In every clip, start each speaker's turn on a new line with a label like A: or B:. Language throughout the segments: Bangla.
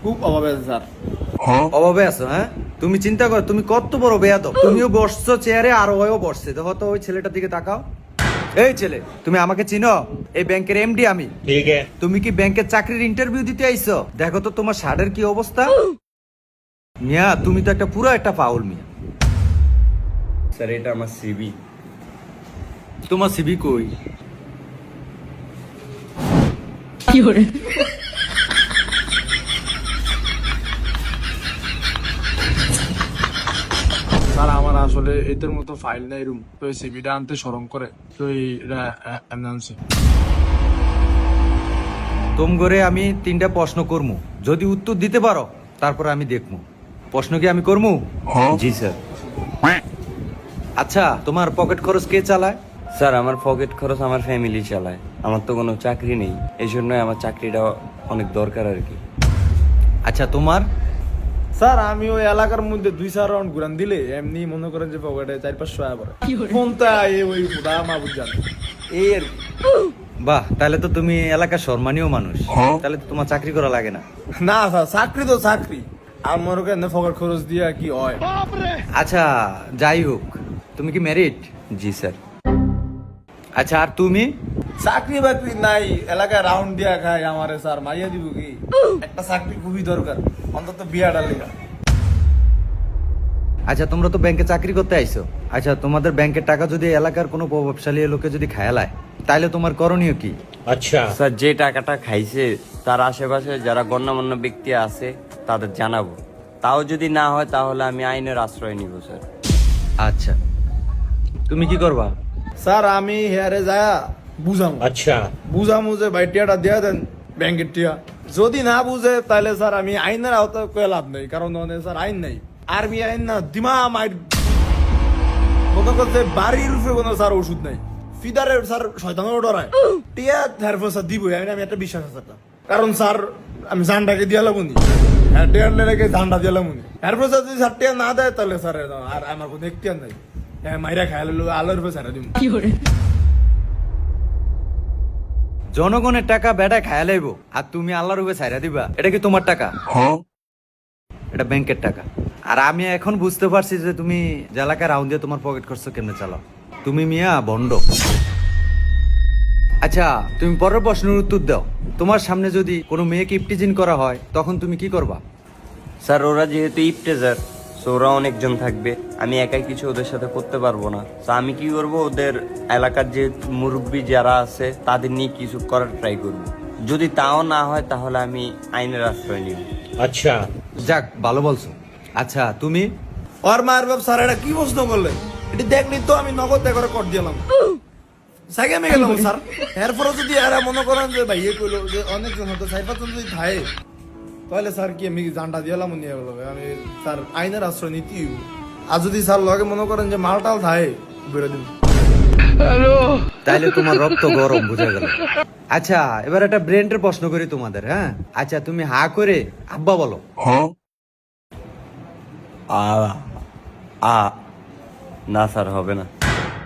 A: খুব অভাবে আছে স্যার।
B: অভাবে আছো? হ্যাঁ, তুমি চিন্তা করো, তুমি কত বড় বেয়াদব। তুমিও বসছো চেয়ারে আর ওও বসছে। দেখো তো ওই ছেলেটার দিকে তাকাও। এই ছেলে, তুমি আমাকে চিনো? এই ব্যাংকের এমডি আমি।
C: ठीक है।
B: তুমি কি ব্যাংকের চাকরির ইন্টারভিউ দিতে আইছো? দেখো তো তোমার শার্টের কি অবস্থা। মিয়া, তুমি তো একটা পুরো একটা পাউল মিয়া।
C: স্যার এটা আমার সিবি।
B: তোমার সিবি কই?
A: স্যার আমার আসলে এদের মতো ফাইল নাই রুম, তো এই সিভিটা আনতে স্মরণ করে, তো এটা আনছি।
B: তোম করে আমি 3টা প্রশ্ন করমু, যদি উত্তর দিতে পারো তারপর আমি দেখমু। প্রশ্ন কি আমি করমু?
C: জি স্যার।
B: আচ্ছা, তোমার পকেট খরচ কে চালায়?
C: স্যার আমার পকেট খরচ আমার ফ্যামিলি চালায়। আমার তো কোনো চাকরি নেই, এই জন্যই আমার চাকরিটা অনেক দরকার আর কি।
B: আচ্ছা, তোমার?
A: স্যার আমি ওই এলাকার মধ্যে 2-4 রাউন্ড ঘুরান দিলে এমনি মনে করেন যে পকেটে 4-500 টাকা পড়ে। ফোনটা ওই খুদা মাহবুব জানে এই আর কি।
B: বাহ, তাহলে তো তুমি এলাকার সম্মানীয় মানুষ। তাহলে তো তোমার চাকরি করা লাগে না।
A: না স্যার, চাকরি তো চাকরি, আর মনে করেন পকেট খরচ দিয়া কি হয়।
B: আচ্ছা, যাই হোক, তুমি কি ম্যারিড?
C: জি স্যার।
B: আচ্ছা, আর তুমি?
A: চাকরি বাকরি নাই, এলাকায় রাউন্ড দিয়া খায় আমারে স্যার, মাইয়া দিব কি? একটা চাকরি খুবই দরকার, অন্তত বিয়াটা লেগা।
B: আচ্ছা, তোমরা তো ব্যাংকে চাকরি করতে আইছো। আচ্ছা, তোমাদের ব্যাংকের টাকা যদি এলাকার কোনো প্রভাবশালী লোকে যদি খায়ালায়, তাহলে তোমার করণীয় কি?
C: আচ্ছা স্যার, যে টাকাটা খাইছে তার আশেপাশে যারা গণ্যমান্য ব্যক্তি আছে তাদের জানাবো। তাও যদি না হয় তাহলে আমি আইনের আশ্রয় নিব স্যার।
B: আচ্ছা, তুমি কি করবা?
A: স্যার আমি হেয়ারে যায় বুঝাম।
C: আচ্ছা
A: বুঝামু যে ভাই টিয়াটা দিয়া দেন ব্যাংকের টিয়া। যদি না বুঝে তাহলে স্যার আমি আইনের আওতায় কয়ে লাভ নেই, কারণ ওখানে স্যার আইন নাই। আর্মি আইন না, দিমা মাইর মনে করছে বাড়ির রূপে কোনো স্যার ওষুধ নাই। ফিদারে স্যার শয়তানের ডরায় টিয়া থারপর স্যার দিব আমি একটা বিশ্বাস আছে একটা। কারণ স্যার আমি জানটাকে দিয়া লাগুনি, হ্যাঁ টিয়ার লেগে জানটা দিয়া লাগুনি। এরপর স্যার যদি স্যার টিয়া না দেয় তাহলে স্যার আর আমার কোনো এখতিয়ার নাই। হ্যাঁ মাইরা খাই আলোর রূপে স্যার দিব।
B: জনগণের টাকা বেটা খায়া লাইব, আর তুমি আল্লাহর রূপে ছাইরা দিবা? এটা কি তোমার টাকা? এটা ব্যাংকের টাকা। আর আমি এখন বুঝতে পারছি যে তুমি যে এলাকায় রাউন্ড দিয়ে তোমার পকেট খরচ কেমনে চালাও। তুমি মিয়া ভণ্ড। আচ্ছা, তুমি পরের প্রশ্নের উত্তর দাও। তোমার সামনে যদি কোনো মেয়েকে ইপটিজিং করা হয়, তখন তুমি কি করবা?
C: স্যার ওরা যেহেতু ইপটেজার, সো ওরা অনেকজন থাকবে, আমি একাই কিছু ওদের সাথে করতে পারবো না। তো আমি কি করব, ওদের এলাকার যে মুরব্বী যারা আছে তাদের নিয়ে কিছু করার ট্রাই করব। যদি তাও না হয় তাহলে আমি আইনের আশ্রয় নিব।
B: আচ্ছা, যাক, ভালো বলছো। আচ্ছা, তুমি?
A: ওর মায়ের বাপ স্যার এটা কি প্রশ্ন করলেন? এটি দেখলি তো আমি নগদ করে কর দিলাম, সাইকে আমি গেলাম স্যার। এরপরে যদি এরা মনে করেন যে ভাই ইয়ে করলো যে অনেকজন হতো সাইফাতন যদি থাকে, তাহলে স্যার কি আমি জানটা দিলাম নিয়ে গেল, আমি স্যার আইনের আশ্রয় নীতি। আর যদি স্যার লগে মনে করেন যে মালটাল থাকে বেরো দিন।
B: তাইলে তোমার রক্ত গরম, বুঝা গেল। আচ্ছা, এবার একটা ব্রেন্ডের প্রশ্ন করি তোমাদের। হ্যাঁ, আচ্ছা, তুমি হা করে আব্বা বলো।
C: না স্যার, হবে না।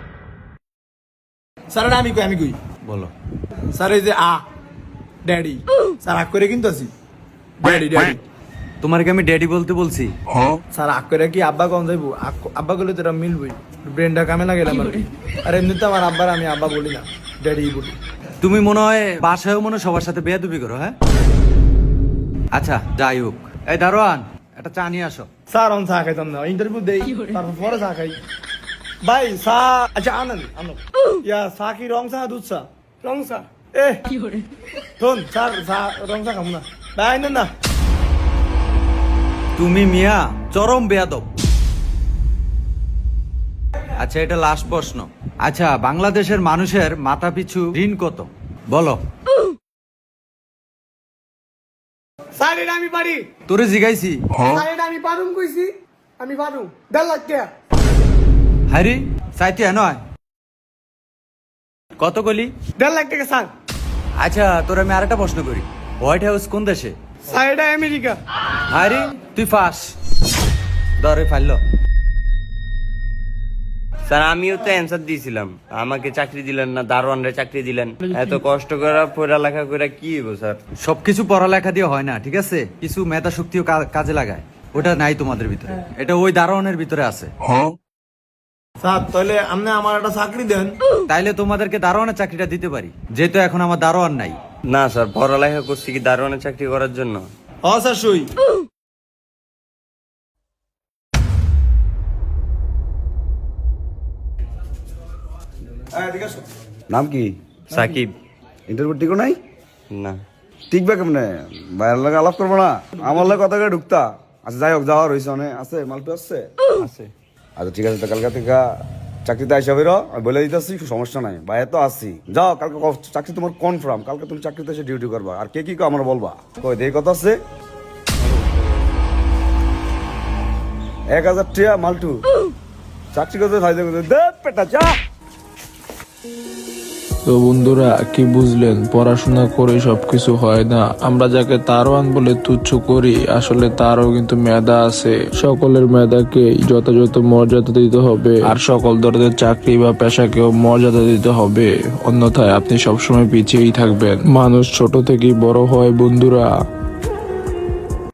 A: স্যার এটা আমি কই
B: বলো।
A: স্যার এই যে ড্যাডি, স্যার আগ করে কিন্তু আছি ড্যাডি ড্যাডি।
B: তোমার কি আমি ড্যাডি বলতে বলছি?
A: স্যার আগ করে কি আব্বা কম যাইবো? আব্বা করলে তো এটা মিলবই, ব্রেনটা কামে না গেলাম আর কি। আর এমনিতে আমার আব্বার আমি আব্বা বলি না, ড্যাডি বলি।
B: তুমি মনে হয় বাসায়ও মনে হয় সবার সাথে বেয়াদবি করো। হ্যাঁ, আচ্ছা, যাই হোক, এই দারোয়ান, একটা চা নিয়ে আসো।
A: স্যার আমি চা খাইতাম না, ইন্টারভিউ দেই তারপর পরে চা খাই। ভাই চা, আচ্ছা আনেন আনো। ইয়া চা কি রং চা দুধ চা? রং চা। শোন স্যার, চা রং চা খাবো না ভাই, আনেন না।
B: তুমি মিয়া চরম বেয়াদব। আচ্ছা, এটা লাস্ট প্রশ্ন। আচ্ছা, বাংলাদেশের মানুষের মাথা পিছু ঋণ কত বলো?
D: স্যার এটা আমি পারি।
B: তোরে জিগাইছি।
D: স্যার এটা আমি পারুম কইছি, আমি পারুম। 1.5 লাখ টাকা।
B: হারি চাইতে নয়, কত কলি?
D: 1.5 লাখ টাকা স্যার।
B: আচ্ছা, তোর আমি আরেকটা প্রশ্ন করি। হোয়াইট হাউস কোন দেশে?
D: স্যার এটা আমেরিকা।
B: হারি তুই ফাঁস। ধরে ফাইল।
C: স্যার আমিও তো অ্যান্সার দিয়েছিলাম, আমাকে চাকরি দিলেন না, দারোয়ানরে চাকরি দিলেন। এত কষ্ট করে পড়ালেখা করে কি হইব স্যার?
B: সবকিছু পড়ালেখা দিয়ে হয় না, ঠিক আছে? কিছু মেধা শক্তিও কাজে লাগায়, ওটা নাই তোমাদের ভিতরে, এটা ওই দারোয়ানের ভিতরে আছে।
A: স্যার তাহলে আপনি আমার একটা চাকরি দেন।
B: তাইলে তোমাদেরকে দারোয়ানের চাকরিটা দিতে পারি, যেহেতু এখন আমার দারোয়ান নাই।
C: না স্যার, পড়ালেখা করছি কি দারোয়ানের চাকরি করার জন্য?
A: স্যার সই।
E: নাম কি?
C: সাকিব।
E: ইন্টারভিউ টিকো নাই?
C: না
E: টিকবে কেমনে? বাইরের লাগে আলাপ করবো না, আমার লাগে কথা করে ঢুকতা। আচ্ছা যাই হোক, যাওয়ার হয়েছে অনেক আছে, মালপে আসছে।
C: আছে।
E: আচ্ছা ঠিক আছে, তো কালকে থেকে চাকরিতে আইসা বেরো, আমি বলে দিতেছি, সমস্যা নাই, বাইরে তো আসছি। যাও কালকে চাকরি তোমার কনফার্ম, কালকে তুমি চাকরিতে এসে ডিউটি করবা। আর কে কি আমার বলবা, কই দেই কথা আছে। 1000 টিয়া মালটু চাকরি করতে ফায়দা করতে দে পেটা চা।
F: তো বন্ধুরা কি বুঝলেন, পড়াশোনা করে সবকিছু হয় না। আমরা যাকে দারোয়ান বলে তুচ্ছ করি, আসলে তারও কিন্তু মেধা আছে। সকলের মেধাকে যথাযথ মর্যাদা দিতে হবে, আর সকল ধরনের চাকরি বা পেশাকেও মর্যাদা দিতে হবে, অন্যথায় আপনি সবসময় পিছিয়েই থাকবেন। মানুষ ছোট থেকেই বড় হয় বন্ধুরা।